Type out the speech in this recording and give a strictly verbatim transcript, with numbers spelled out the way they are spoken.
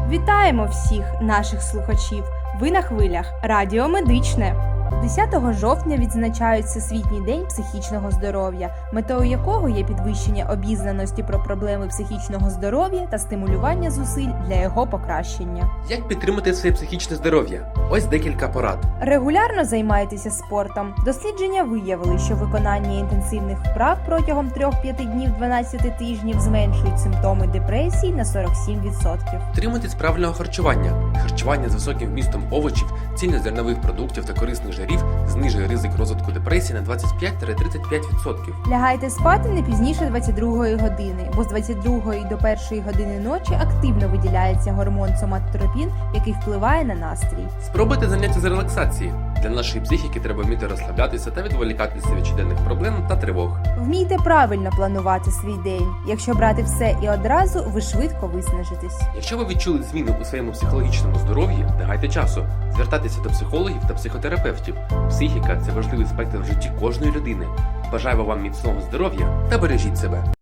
Вітаємо всіх наших слухачів! Ви на хвилях Радіо Медичне. десятого жовтня відзначають Всесвітній день психічного здоров'я, метою якого є підвищення обізнаності про проблеми психічного здоров'я та стимулювання зусиль для його покращення. Як підтримати своє психічне здоров'я? Ось декілька порад. Регулярно займайтеся спортом. Дослідження виявили, що виконання інтенсивних вправ протягом трьох-п'яти днів дванадцяти тижнів зменшують симптоми депресії на сорок сім відсотків. Тримайтесь правильного харчування. Харчування з високим вмістом овочів, цільнозернових продуктів та корисних жирів знижує ризик розвитку депресії на двадцять п'ять - тридцять п'ять відсотків. Лягайте спати не пізніше двадцять другої години, бо з двадцять другої до першої години ночі активно виділяється гормон соматотропін, який впливає на настрій. Спробуйте заняття з релаксації. Для нашої психіки треба вміти розслаблятися та відволікатися від щоденних проблем та тривог. Вмійте правильно планувати свій день. Якщо брати все і одразу, ви швидко виснажитесь. Якщо ви відчули зміни у своєму психологічному здоров'ї, не гайте часу. Звертайтеся до психологів та психотерапевтів. Психіка – це важливий спектр в житті кожної людини. Бажаю вам міцного здоров'я та бережіть себе.